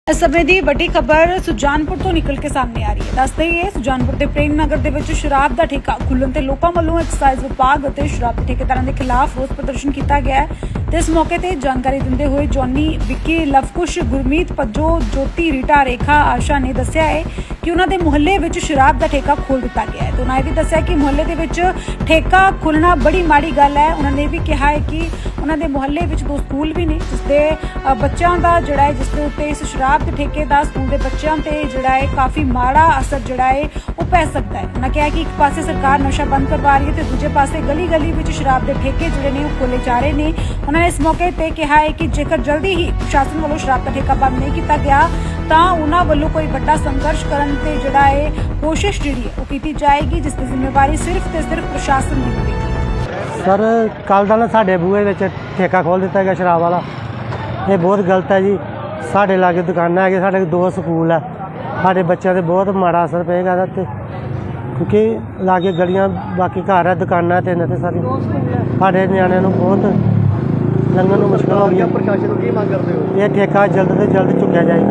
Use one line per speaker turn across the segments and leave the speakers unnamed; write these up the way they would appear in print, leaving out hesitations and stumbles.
इस समय की बड़ी खबर सुजानपुर तो निकल के सामने आ रही है। दस दईए सुजानपुर के प्रेम नगर ਦੇ ਵਿੱਚ ਸ਼ਰਾਬ ਦਾ ਠੇਕਾ ਖੁੱਲਣ ਤੇ ਲੋਕਾਂ ਵੱਲੋਂ ਐਕਸਾਈਜ਼ ਵਿਭਾਗ ਅਤੇ ਸ਼ਰਾਬ ਦੇ ਠੇਕੇਦਾਰਾਂ ਦੇ ਖਿਲਾਫ ਰੋਸ ਪ੍ਰਦਰਸ਼ਨ ਕੀਤਾ ਗਿਆ ਹੈ ਤੇ ਇਸ ਮੌਕੇ ਤੇ ਜਾਣਕਾਰੀ ਦਿੰਦੇ ਹੋਏ ਜੌਨੀ ਵਿੱਕੀ ਲਵਕੁਸ਼ ਗੁਰਮੀਤ ਪੱਜੋ ਜੋਤੀ ਰੀਟਾ ਰੇਖਾ ਆਸ਼ਾ ਨੇ ਦੱਸਿਆ ਹੈ ਕਿ ਉਹਨਾਂ ਦੇ ਮੁਹੱਲੇ ਵਿੱਚ ਸ਼ਰਾਬ ਦਾ ਠੇਕਾ ਖੋਲ੍ਹ ਦਿੱਤਾ ਗਿਆ ਹੈ ਤੇ ਉਹਨਾਂ ਇਹ ਵੀ ਦੱਸਿਆ ਕਿ ਮੁਹੱਲੇ ਦੇ ਵਿੱਚ ਠੇਕਾ ਖੁੱਲਣਾ ਬੜੀ ਮਾੜੀ ਗੱਲ ਹੈ। ਉਹਨਾਂ ਨੇ ਵੀ ਕਿਹਾ ਹੈ ਕਿ ਉਹਨਾਂ ਦੇ ਮੁਹੱਲੇ ਵਿੱਚ ਦੋ ਸਕੂਲ ਵੀ ਨੇ ਜਿਸ ਦੇ ਬੱਚਿਆਂ ਦਾ ਜਿਹੜਾ ਹੈ ਜਿਸ ਦੇ ਉੱਤੇ ਇਸ ਸ਼ਰਾਬ ਦੇ ਠੇਕੇ ਦਾ ਸਕੂਲ ਦੇ ਬੱਚਿਆਂ ਤੇ ਜਿਹੜਾ ਹੈ ਕਾਫੀ ਮਾੜਾ ਅਸਰ ਜਿਹੜਾ ਹੈ ਉਹ ਪੈ ਸਕਦਾ ਹੈ। ਉਹਨਾਂ ਕਿਹਾ ਕਿ ਇੱਕ ਪਾਸੇ ਸਰਕਾਰ ਨਸ਼ਾ ਬੰਦ ਕਰਵਾ ਰਹੀ ਹੈ ਤੇ ਦੂਜੇ ਪਾਸੇ ਗਲੀ ਵਿੱਚ ਸ਼ਰਾਬ ਦੇ ਠੇਕੇ ਜਿਹੜੇ ਨੇ ਉਹ ਖੋਲ੍ਹੇ ਜਾ ਰਹੇ ਨੇ। ਉਹਨਾਂ ਨੇ ਇਸ ਮੌਕੇ ਤੇ ਕਿਹਾ ਹੈ ਕਿ ਜੇਕਰ ਜਲਦੀ ਹੀ ਪ੍ਰਸ਼ਾਸਨ ਵੱਲੋਂ ਸ਼ਰਾਬ ਦਾ ਠੇਕਾ ਬੰਦ ਨਹੀਂ ਕੀਤਾ ਗਿਆ ਤਾਂ ਉਹਨਾਂ ਵੱਲੋਂ ਕੋਈ ਵੱਡਾ ਸੰਘਰਸ਼ ਕਰਨ ਤੇ ਜਿਹੜਾ ਹੈ ਕੋਸ਼ਿਸ਼ ਜਿਹੜੀ ਹੈ ਉਹ ਕੀਤੀ ਜਾਏਗੀ ਜਿਸ ਦੀ ਜ਼ਿੰਮੇਵਾਰੀ ਸਿਰਫ ਤੇ ਸਿਰਫ ਪ੍ਰਸ਼ਾਸਨ ਦੀ ਹੋਵੇਗੀ।
सर कल का ना साढ़े बूहे में ठेका खोल दिता गया शराब वाला, ये बहुत गलत है जी। साढ़े लागे दुकाना है, साढ़े दो स्कूल है, साढ़े बच्चों से बहुत माड़ा असर पेगा इहदे क्योंकि लागे गलियां बाकी घर है दुकाना तो इन्हें सारी साढ़े न्याणिਆਂ ਨੂੰ बहुत लंघन ਨੂੰ मुश्किल हो गई।
प्रशासन की मांग करते हो
ये ठेका जल्द से जल्द चुक्या जाए।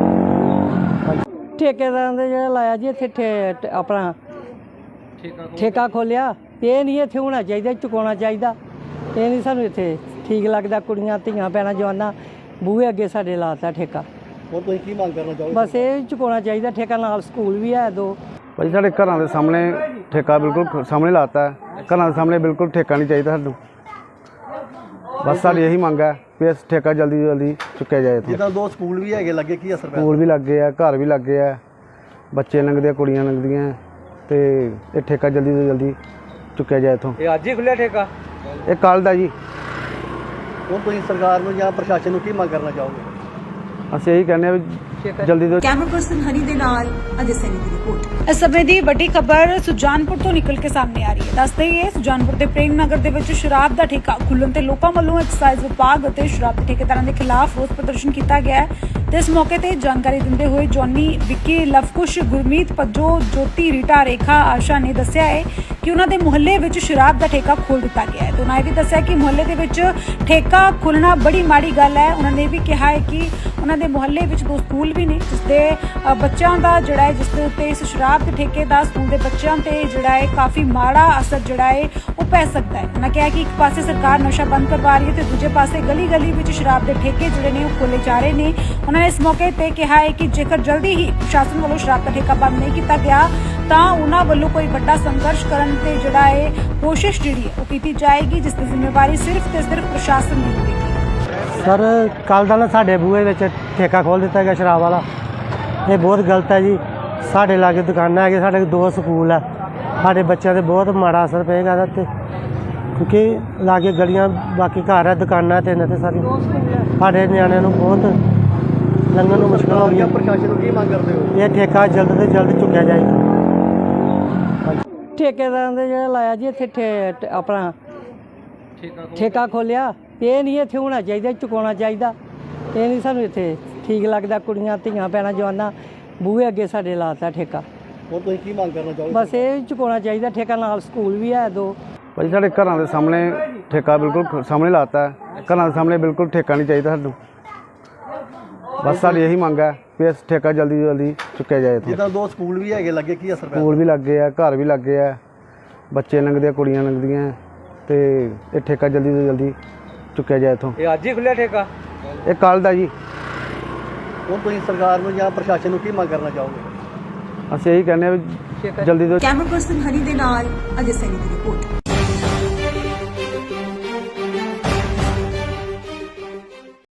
ठेकेदार ने जो लाया जी इत्थे अपना ठेका खोलिया ये नहीं इत्थे होना चाहिए, चुकाना चाहिए। ये नहीं सानू इत्थे ठीक लगता। कुड़ियां धियां भैणां जवानां बूहे अगे साडे लाता ठेका,
और तुसीं की मांग करना चाहोगे?
बस ये चुकाना चाहिए ठेका। नाल स्कूल भी है दो।
भाई साढ़े घर के सामने ठेका बिल्कुल सामने लाता है, घर के सामने बिल्कुल ठेका नहीं चाहिए सानू। बस साड़ी यही मंग है भी इस ठेका जल्दी जल्दी चुक्या जाए।
जिदा दो स्कूल भी है लगे की असर
स्कूल भी लग गए है, घर भी लग गए है, बच्चे लंघदे कुड़ियां लंघदियां तो ये ठेका जल्दी तो जल्दी चुक्या जाए इतों।
ये अज ही खुलिया ठेका?
ये कल दा जी।
और तुसीं सरकार नूं जां प्रशासन नूं की मांग करना चाहोगे?
ਅਸੀਂ ਇਹੀ ਕਹਿੰਦੇ ਆ ਵੀ ਜਲਦੀ ਤੋਂ
कैमरा पर्सन हनी दे नाल अजय सैनी की रिपोर्ट। इस समय की बड़ी खबर सुजानपुर तो निकल के सामने आ रही है। दस दईए सुजानपुर के प्रेम नगर ਦੇ ਵਿੱਚ ਸ਼ਰਾਬ ਦਾ ਠੇਕਾ ਖੁੱਲਣ ਤੇ ਲੋਕਾਂ ਵੱਲੋਂ ਐਕਸਾਈਜ਼ ਵਿਭਾਗ ਅਤੇ ਸ਼ਰਾਬ ਦੇ ਠੇਕੇਦਾਰਾਂ ਦੇ ਖਿਲਾਫ ਰੋਸ ਪ੍ਰਦਰਸ਼ਨ ਕੀਤਾ ਗਿਆ ਹੈ ਤੇ ਇਸ ਮੌਕੇ ਤੇ ਜਾਣਕਾਰੀ ਦਿੰਦੇ ਹੋਏ ਜੌਨੀ ਵਿੱਕੀ ਲਵਕੁਸ਼ ਗੁਰਮੀਤ ਪੱਜੋ ਜੋਤੀ ਰੀਟਾ ਰੇਖਾ ਆਸ਼ਾ ਨੇ ਦੱਸਿਆ ਹੈ ਕਿ ਉਹਨਾਂ ਦੇ ਮੁਹੱਲੇ ਵਿੱਚ ਸ਼ਰਾਬ ਦਾ ਠੇਕਾ ਖੋਲ੍ਹ ਦਿੱਤਾ ਗਿਆ ਹੈ ਤੇ ਉਹਨਾਂ ਇਹ ਵੀ ਦੱਸਿਆ ਕਿ ਮੁਹੱਲੇ ਦੇ ਵਿੱਚ ਠੇਕਾ ਖੁੱਲਣਾ ਬੜੀ ਮਾੜੀ ਗੱਲ ਹੈ। ਉਹਨਾਂ ਨੇ ਵੀ ਕਿਹਾ ਹੈ ਕਿ ਉਹਨਾਂ ਦੇ ਮੁਹੱਲੇ ਵਿੱਚ ਦੋ ਸਕੂਲ ਵੀ ਨੇ ਜਿਸ ਦੇ ਬੱਚਿਆਂ ਦਾ ਜਿਹੜਾ ਹੈ ਜਿਸ ਦੇ ਉੱਤੇ ਇਸ ਸ਼ਰਾਬ ਦੇ ਠੇਕੇ ਦਾ ਸਕੂਲ ਦੇ ਬੱਚਿਆਂ ਤੇ ਜਿਹੜਾ ਹੈ ਕਾਫੀ ਮਾੜਾ ਅਸਰ ਜਿਹੜਾ ਹੈ ਉਹ ਪੈ ਸਕਦਾ ਹੈ। ਉਹਨਾਂ ਕਿਹਾ ਕਿ ਇੱਕ ਪਾਸੇ ਸਰਕਾਰ ਨਸ਼ਾ ਬੰਦ ਕਰਵਾ ਰਹੀ ਹੈ ਤੇ ਦੂਜੇ ਪਾਸੇ ਗਲੀ ਵਿੱਚ ਸ਼ਰਾਬ ਦੇ ਠੇਕੇ ਜਿਹੜੇ ਨੇ ਉਹ ਖੋਲ੍ਹੇ ਜਾ ਰਹੇ ਨੇ। ਉਹਨਾਂ ਨੇ ਇਸ ਮੌਕੇ ਤੇ ਕਿਹਾ ਹੈ ਕਿ ਜੇਕਰ ਜਲਦੀ ਹੀ ਪ੍ਰਸ਼ਾਸਨ ਵੱਲੋਂ ਸ਼ਰਾਬ ਦਾ ਠੇਕਾ ਬੰਦ ਨਹੀਂ ਕੀਤਾ ਗਿਆ ਤਾਂ ਉਹਨਾਂ ਵੱਲੋਂ ਕੋਈ ਵੱਡਾ ਸੰਘਰਸ਼ ਕਰਨ ਤੇ ਜਿਹੜਾ ਹੈ ਕੋਸ਼ਿਸ਼ ਜਿਹੜੀ ਹੈ ਉਹ ਕੀਤੀ ਜਾਏਗੀ ਜਿਸ ਦੀ ਜ਼ਿੰਮੇਵਾਰੀ ਸਿਰਫ ਤੇ ਸਿਰਫ ਪ੍ਰਸ਼ਾਸਨ ਦੀ ਹੋਵੇਗੀ।
सर कल का ना साढ़े बूहे में ठेका खोल दिता गया शराब वाला, ये बहुत गलत है जी। साढ़े लागे दुकाना है, साढ़े दो स्कूल है, साढ़े बच्चों से बहुत माड़ा असर पेगा इहदे क्योंकि लागे गलियां बाकी घर है दुकाना तो इन्हें सारी साढ़े न्याणिਆਂ ਨੂੰ बहुत लंघन ਨੂੰ मुश्किल हो गई।
प्रशासन की मांग करते हो
ये ठेका जल्द से जल्द चुक्या जाए।
ठेकेदार ने जो लाया जी इत्थे अपना ठेका खोलिया ये नहीं इत्थे होना चाहिए, चुकाना चाहिए। ये नहीं सानू इत्थे ठीक लगता। कुड़ियां धियां भैणां जवानां बूहे अगे साडे लाता ठेका,
और तुसीं की मांग करना चाहोगे?
बस ये चुकाना चाहिए ठेका। नाल स्कूल भी है दो।
भाई साढ़े घर के सामने ठेका बिल्कुल सामने लाता है, घर के सामने बिल्कुल ठेका नहीं चाहिए सानू। बस साड़ी यही मंग है भी इस ठेका जल्दी तो जल्दी चुक्या जाए।
जिदा दो स्कूल भी है लगे की असर
स्कूल भी लग गए है, घर भी लग गए है, बच्चे लंघदे कुड़ियां लंघदियां तो ये ठेका जल्दी तो जल्दी चुक्या जाए इतों।
ये अज ही खुलिया ठेका?
ये कल दा जी।
और तुसीं सरकार नूं जां प्रशासन नूं की मांग करना चाहोगे?
ਅਸੀਂ ਇਹੀ ਕਹਿੰਦੇ ਆ ਵੀ ਜਲਦੀ ਤੋਂ
कैमरा पर्सन हनी दे नाल अजय सैनी की रिपोर्ट।